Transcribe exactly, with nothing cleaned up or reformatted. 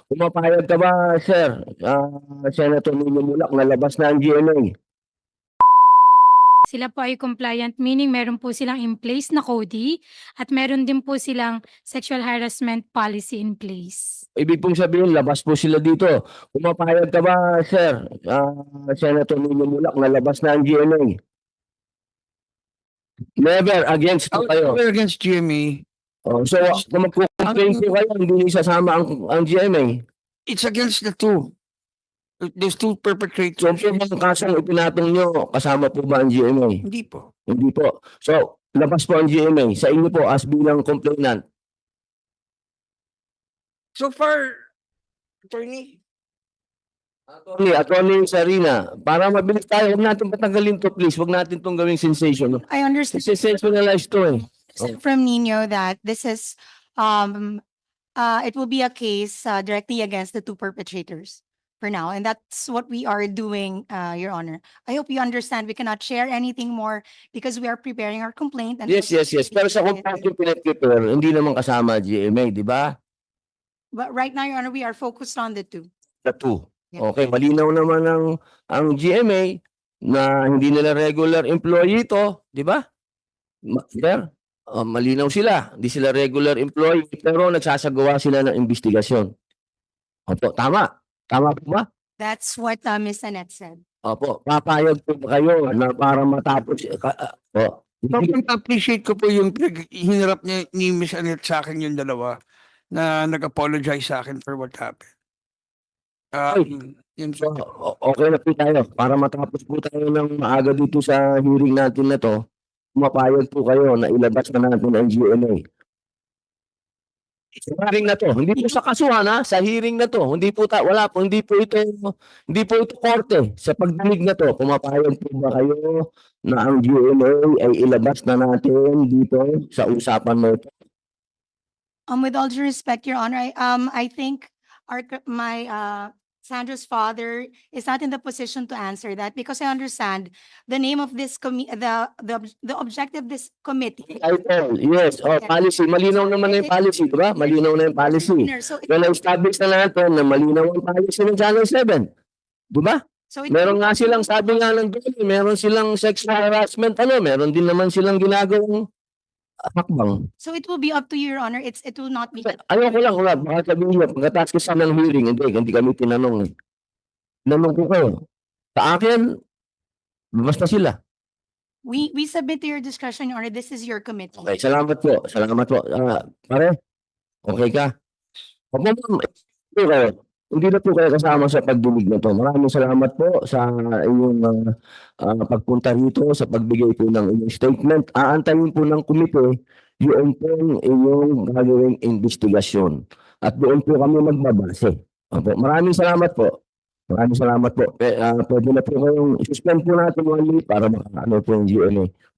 Pumapayag ka ba, sir, ah, Senator Nino Mulak, na labas na ang G M A? Sila po ay compliant, meaning meron po silang in place na CODI at meron din po silang sexual harassment policy in place. Ibig pong sabihin, labas po sila dito. Pumapayag ka ba, sir, ah, Senator Nino Mulak, na labas na ang G M A? Never against po kayo. We're against G M A. Oh, so, kung magkukomplain po kayo, hindi niyo isasama ang, ang G M A. It's against the two. Those two So, perpetrators. po bang kasong ipinatong nyo, kasama po ba ang G M A? Hindi po. Hindi po. So, labas po ang G M A. Sa inyo po, as bilang complainant. So far, attorney, Attorney, Attorney Sarina, para mabilis tayo, huwag natin patanggalin to, please. Huwag natin itong gawing sensation. I understand Sensationalize to eh. from Nino that this is, um, uh, it will be a case uh, directly against the two perpetrators for now. And that's what we are doing, uh, Your Honor. I hope you understand we cannot share anything more because we are preparing our complaint. And Yes, yes, yes. Pero sa complaint yung pinag-prepare, hindi naman kasama G M A, di ba? But right now, Your Honor, we are focused on the two. The two. Yeah. Okay, malinaw naman ang, ang G M A na hindi nila regular employee ito, di ba? Ma- Sir, uh, malinaw sila. Hindi sila regular employee, pero nagsasagawa sila ng investigasyon. Opo, tama. Tama po ba? That's what uh, Miz Annette said. Opo, papayag po ba kayo na para matapos? Ka, uh, oh, sobrang appreciate ko po yung pinag- hinarap niya ni Miss Annette sa akin yung dalawa na nag-apologize sa akin for what happened. Um, yun So, po. o- okay na po tayo. Para matapos po tayo ng maaga dito sa hearing natin na to, mapayag po kayo na ilabas na natin ang G M A. Sa hearing na to, hindi po sa kasuhan ha, sa hearing na to, hindi po ta, wala po, hindi po ito, hindi po ito korte. Sa pagdinig na to, pumapayag po ba kayo na ang G M A ay ilabas na natin dito sa usapan mo ito? Um, with all due respect, Your Honor, I, um, I think our, c- my, uh, Sandra's father is not in the position to answer that because I understand the name of this commi, the, the, ob- the objective of this committee. Title, yes, oh, policy. Malinaw naman na yung policy, di ba? Malinaw na yung policy. So, it- Well, na-establish na natin na malinaw ang policy ng Channel seven. Di ba? so it- Meron nga silang, sabi nga ng doon, meron silang sexual harassment, ano, meron din naman silang ginagawang hakbang. So it will be up to you, Your Honor. It's, it will not be. Ayoko lang, wala, baka sabihin niya, pagkatapos kasi ng hearing, hindi, hindi kami tinanong. eh. Tinanong ko kayo. Sa akin, basta sila. We, we submit to your discretion, Your Honor. This is your committee. Okay, salamat po, salamat po. Ah, pare, okay ka? Opo, ma'am, hindi kayo. Hindi na po kayo kasama sa pagdinig na to. Maraming salamat po sa inyong ah, ah, pagpunta rito, sa pagbigay po ng inyong statement. Aantayin po ng komite yung pong inyong gagawing investigasyon. At doon po kami magbabase. Opo, maraming salamat po. Maraming salamat po. Eh, ah, pwede na po kayong suspend po natin one minute para makaano po yung G M A.